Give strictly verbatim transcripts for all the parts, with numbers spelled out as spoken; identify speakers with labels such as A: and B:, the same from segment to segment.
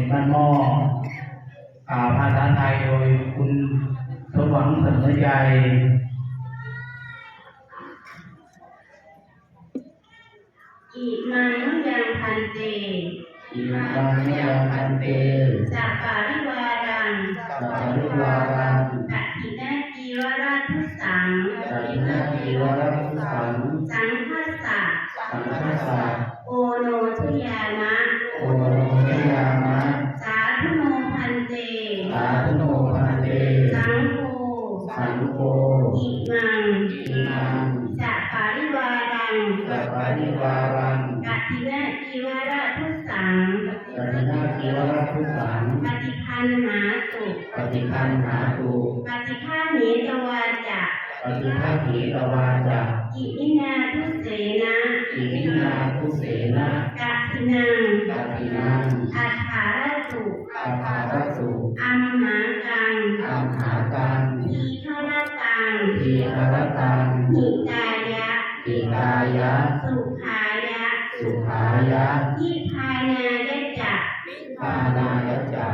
A: บ้านหม้อภาษาไทยโดยคุณสมหวังเสมอใจ
B: อิมังมะยังพันเต
A: อิมังมะยังพันเต
B: สัปปาริวารัง
A: สัปปาริวารัง
B: กัตถินาจีวราทุสัง
A: กัตถินาจีวราทุสัง
B: สังฆัสสะ
A: สังฆัสสะ
B: โอโนทุยามะ
A: โอโนทุยามะ
B: สาธุโนพันเต
A: สาธุโนพันเต
B: สังโฆ
A: สังโฆ
B: อิมัง
A: อิมัง
B: สัปปาริวารัง
A: สัปปาริวารัง
B: กัตถินาจีวราทุสัง
A: กัตถินาจีวราทุสัง
B: ปฏิคันหาตุ
A: ปฏิคันหาตุ
B: ปฏิฆาเหตวาจะ
A: ปฏิฆาเหตวาจะ
B: อิมินาทุเสนะ
A: อิมินาทุเสนะ
B: กัตถินัง
A: กัตถินัง
B: อัฏฐารตุ
A: อัฏฐารตุ
B: อัมหากัง
A: อัมหากัง
B: ทีฆรตัง
A: ทีฆรตัง
B: หิตายะ
A: หิตายะ
B: สุขายะ
A: สุขายะ
B: นิพพานายะจะ
A: นิพพานายะจะ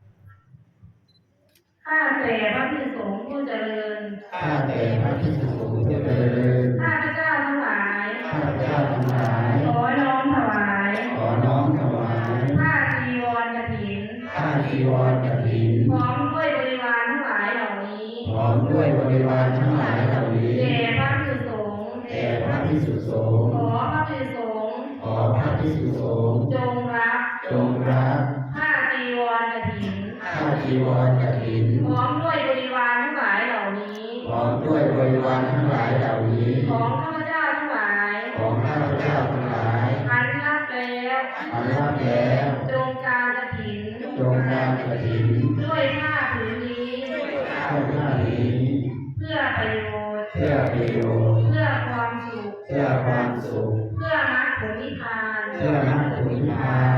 B: ข้าแต่พระภิกษุสงฆ์ผู้เจริญ
A: ข้าแต่พระภิกษุสงฆ์ผู้เจริญ
B: ข้าพเจ้าทั้งหลาย
A: ข้าพเจ้าทั้งหลาย
B: ขอน้อมถวาย
A: ขอน้อมถวาย
B: ผ้าจีวรกฐิน
A: ผ้าจีวรกฐิน
B: พร้อมด้วยบริวารทั้งหลายเหล่านี้
A: พร้อมด้วยบริวารทั้งหลายเหล่านี้
B: แด่พระภิกษุสงฆ์
A: แด่พระภิกษุสงฆ์
B: ขอพระภิกษุสงฆ์
A: ขอพระภิกษุสงฆ์
B: จงรับ
A: จงรับ
B: ผ้าจีวรกฐิน
A: ผ้าจีวรกฐิน
B: พร้อมด้วยบริวารทั้งหลายเหล่านี้
A: พร้อมด้วยบริวารทั้งหลายเหล่านี้
B: ของข้าพเจ้าทั้งหลาย
A: ของข้าพเจ้าทั้งหลาย
B: อันรับแล้ว
A: อันรับแล้ว
B: จงการกฐิน
A: จงการกฐิน
B: ด้วยผ้าผืนนี้
A: ด้วยผ้านี้
B: เพื่อประโยชน์
A: เพื่อประโยชน์
B: เพื่อความสุข
A: เพื่อความสุข
B: เพื่อมรรคผลนิพพาน
A: เพื่อมรรคผลนิพพาน